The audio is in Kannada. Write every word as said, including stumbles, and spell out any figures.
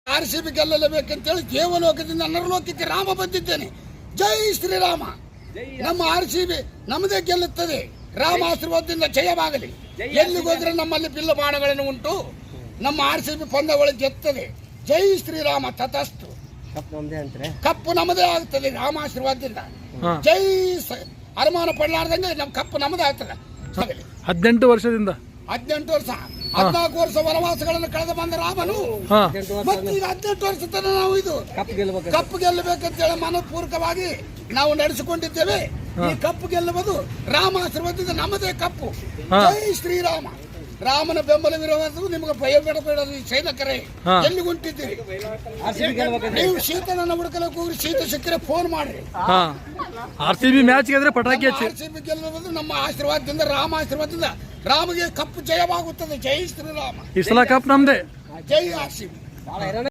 ಆರ್ ಸಿ ಬಿ ಗೆಲ್ಲಲೇಬೇಕಂತೇಳಿ ದೇವಲೋಕದಿಂದ ನರಲೋಕಕ್ಕೆ ರಾಮ ಬಂದಿದ್ದೇನೆ. ಜೈ ಶ್ರೀರಾಮ. ನಮ್ಮ ಆರ್ ಸಿ ಬಿ ನಮ್ಮದೇ ಗೆಲ್ಲುತ್ತದೆ. ರಾಮ ಆಶೀರ್ವಾದದಿಂದ ಜಯವಾಗಲಿ. ಎಲ್ಲಿಗೋದ್ರೆ ನಮ್ಮಲ್ಲಿ ಬಿಲ್ಲು ಬಾಣಗಳನ್ನು ಉಂಟು. ನಮ್ಮ ಆರ್ ಸಿ ಬಿ ಪಂದ್ಯಗಳು ಗೆತ್ತದೆ. ಜೈ ಶ್ರೀರಾಮ. ತಥಾಸ್ತು. ಕಪ್ಪು ನಮ್ಮದೇ ಆಗ್ತದೆ ರಾಮ ಆಶೀರ್ವಾದದಿಂದ. ಜೈ ಅನುಮಾನ ಪಡಲಾರ್ದಂಗೆ ನಮ್ಮ ಕಪ್ಪು ನಮ್ಮದೇ ಆಗ್ತದೆ. ಹದಿನೆಂಟು ವರ್ಷದಿಂದ ಹದಿನೆಂಟು ವರ್ಷ ಹದಿನಾಲ್ಕು ವರ್ಷ ವನವಾಸಗಳನ್ನು ಕಳೆದು ಬಂದ ರಾಮನು ಮತ್ತೆ ಈಗ ಹದಿನೆಂಟು ವರ್ಷ ತನಕ ನಾವು ಇದು ಕಪ್ಪು ಗೆಲ್ಲಬೇಕಂತೇಳಿ ಮನಪೂರ್ವಕವಾಗಿ ನಾವು ನಡೆಸಿಕೊಂಡಿದ್ದೇವೆ. ಈ ಕಪ್ಪು ಗೆಲ್ಲುವುದು ರಾಮ ಆಶೀರ್ವಾದದಿಂದ ನಮ್ಮದೇ ಕಪ್ಪು. ಜೈ ಶ್ರೀರಾಮ. ರಾಮನ ಬೆಂಬಲವಿರುವುದು ನಿಮಗೆ ಭಯ ಬೇಡಬೇಡದು. ಸೈನಿಕರೇ ಎಲ್ಲಿ ಹೊಂಟಿದ್ದೀರಿ? ನೀವು ಶೀತನನ್ನು ಹುಡುಕಲಕ್ಕೆ ಹೋಗಿ ಶೀತ ಸಿಕ್ಕರೆ ಫೋನ್ ಮಾಡ್ರಿ. ಆರ್ ಸಿ ಬಿ ಮ್ಯಾಚ್ ಗೆದ್ರೆ ಪಟಾಕಿ ಹಚ್ಚಿ. ಆರ್ ಸಿ ಬಿ ಗೆಲ್ಲುವುದು ನಮ್ಮ ಆಶೀರ್ವಾದದಿಂದ, ರಾಮ ಆಶೀರ್ವಾದದಿಂದ. ರಾಮಗೆ ಕಪ್ಪು ಜಯವಾಗುತ್ತದೆ. ಜೈ ಶ್ರೀರಾಮ. ಈ ಸಲ ಕಪ್ ನಮ್ದೇ. ಜೈ ಆರ್ ಸಿ ಬಿ.